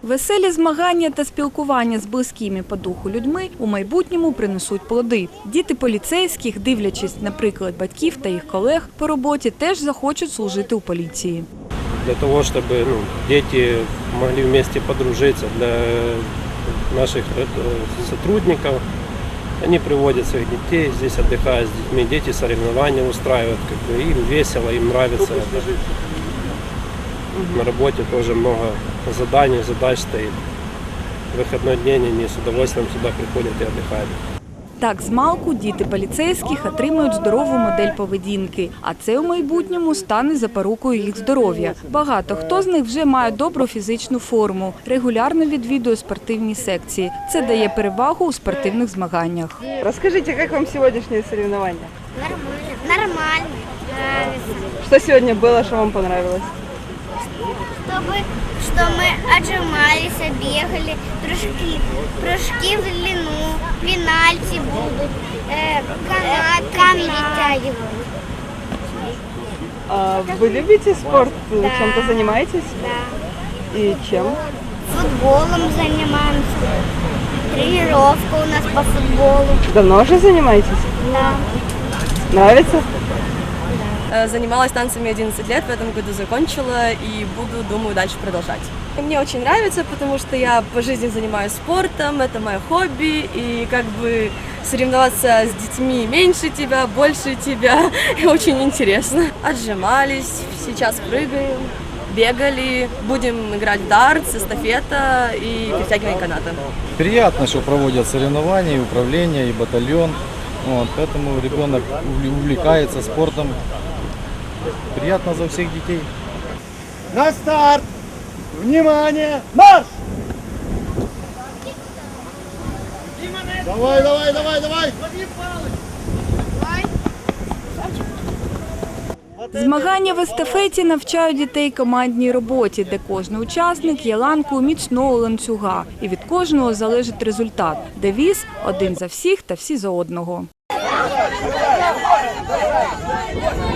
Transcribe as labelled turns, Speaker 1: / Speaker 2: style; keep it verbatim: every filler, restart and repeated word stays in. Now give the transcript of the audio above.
Speaker 1: Веселі змагання та спілкування з близькими по духу людьми у майбутньому принесуть плоди. Діти поліцейських, дивлячись на приклад батьків та їх колег по роботі, теж захочуть служити у поліції.
Speaker 2: Для того, щоб ну, діти могли вместе подружитися, для наших сотрудников, они приводят своих детей, здесь отдыхают с детьми, дети соревнования устраивают, как бы, им весело, им нравится. На работе тоже много заданий, задач стоит. В выходной день они с удовольствием сюда приходят и отдыхают.
Speaker 1: Так, змалку діти поліцейських отримують здорову модель поведінки, а це у майбутньому стане запорукою їх здоров'я. Багато хто з них вже має добру фізичну форму, регулярно відвідує спортивні секції. Це дає перевагу у спортивних змаганнях.
Speaker 3: Розкажіть, як вам сьогоднішнє соревновання?
Speaker 4: Нормально. Нормально. Нравится.
Speaker 3: Що сьогодні було, що вам понравилось?
Speaker 4: Чтобы, что мы отжимались, бегали, прыжки, прыжки в длину, пенальти будут, э, канатами вытягивают.
Speaker 3: А вы любите спорт?
Speaker 4: Да.
Speaker 3: Чем-то занимаетесь?
Speaker 4: Да.
Speaker 3: И чем?
Speaker 4: Футболом занимаемся. Тренировка у нас по футболу.
Speaker 3: Давно уже занимаетесь?
Speaker 4: Да.
Speaker 3: Нравится?
Speaker 5: Занималась танцами одиннадцать лет, в этом году закончила и буду, думаю, дальше продолжать. И мне очень нравится, потому что я по жизни занимаюсь спортом, это мое хобби, и как бы соревноваться с детьми меньше тебя, больше тебя, и очень интересно. Отжимались, сейчас прыгаем, бегали, будем играть в дартс, эстафета и перетягивание каната.
Speaker 6: Приятно, что проводят соревнования, и управление, и батальон, вот, поэтому ребенок увлекается спортом. Приятно за всех детей.
Speaker 7: На старт! Внимание! Марш! Давай, давай, давай, давай!
Speaker 1: Змагання в естафеті навчають дітей командній роботі, де кожен учасник є ланкою міцного ланцюга. І від кожного залежить результат. Девіз – один за всіх та всі за одного.
Speaker 7: Давай, давай, давай.